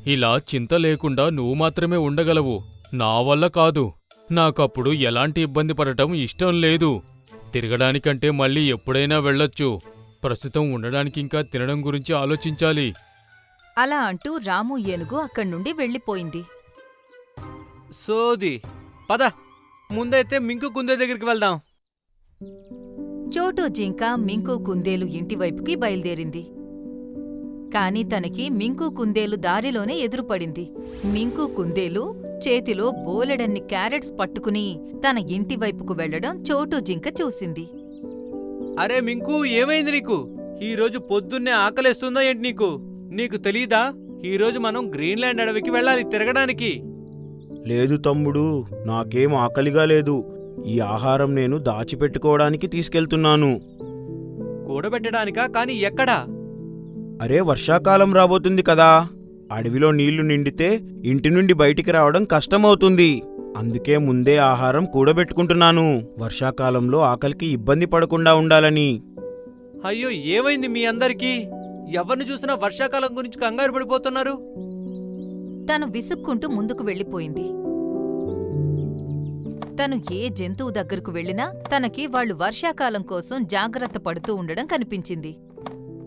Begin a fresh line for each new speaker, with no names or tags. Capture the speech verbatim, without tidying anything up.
ఇలా చింత లేకుండా నువ్వు మాత్రమే ఉండగలవు. నా వల్ల కాదు. నాకప్పుడు ఎలాంటి ఇబ్బంది పడటం ఇష్టం లేదు. తిరగడానికంటే మళ్ళీ ఎప్పుడైనా వెళ్ళొచ్చు. ప్రస్తుతం ఉండడానికింకా తినడం గురించి ఆలోచించాలి.
అలా అంటూ రాము ఏనుగు అక్కడ్నుండి వెళ్ళిపోయింది.
సోది పద, ముందైతే మింకు కుందే దగ్గరికి వెళ్దాం.
చోటు జింక మింకు కుందేలు ఇంటివైపుకి బయల్దేరింది. కాని తనకి మింకు కుందేలు దారిలోనే ఎదురుపడింది. మింకు కుందేలు చేతిలో బోలెడన్ని క్యారెట్స్ పట్టుకుని తన ఇంటివైపుకు వెళ్లడం చోటు జింక చూసింది.
అరే మింకు, ఏమైంది నీకు? ఈరోజు పొద్దున్నే ఆకలేస్తుందా ఏంటి నీకు? నీకు తెలీదా, ఈరోజు మనం గ్రీన్లాండ్ అడవికి వెళ్ళాలి తిరగడానికి.
లేదు తమ్ముడు, నాకేం ఆకలిగా లేదు. ఈ ఆహారం నేను దాచిపెట్టుకోవడానికి తీసుకెళ్తున్నాను.
కూడబెట్టడానికా? కాని ఎక్కడా?
అరే, వర్షాకాలం రాబోతుంది కదా. అడవిలో నీళ్లు నిండితే ఇంటి నుండి బయటికి రావడం కష్టమవుతుంది. అందుకే ముందే ఆహారం కూడబెట్టుకుంటున్నాను, వర్షాకాలంలో ఆకలికి ఇబ్బంది పడకుండా ఉండాలని.
అయ్యో, ఏమైంది మీ అందరికీ? ఎవరిని చూసినా వర్షాకాలం గురించి కంగారు పడిపోతున్నారు.
తను విసుక్కుంటూ ముందుకు వెళ్ళిపోయింది. తను ఏ జంతువు దగ్గరకు వెళ్ళినా తనకి వాళ్లు వర్షాకాలం కోసం జాగ్రత్త పడుతూ ఉండడం కనిపించింది.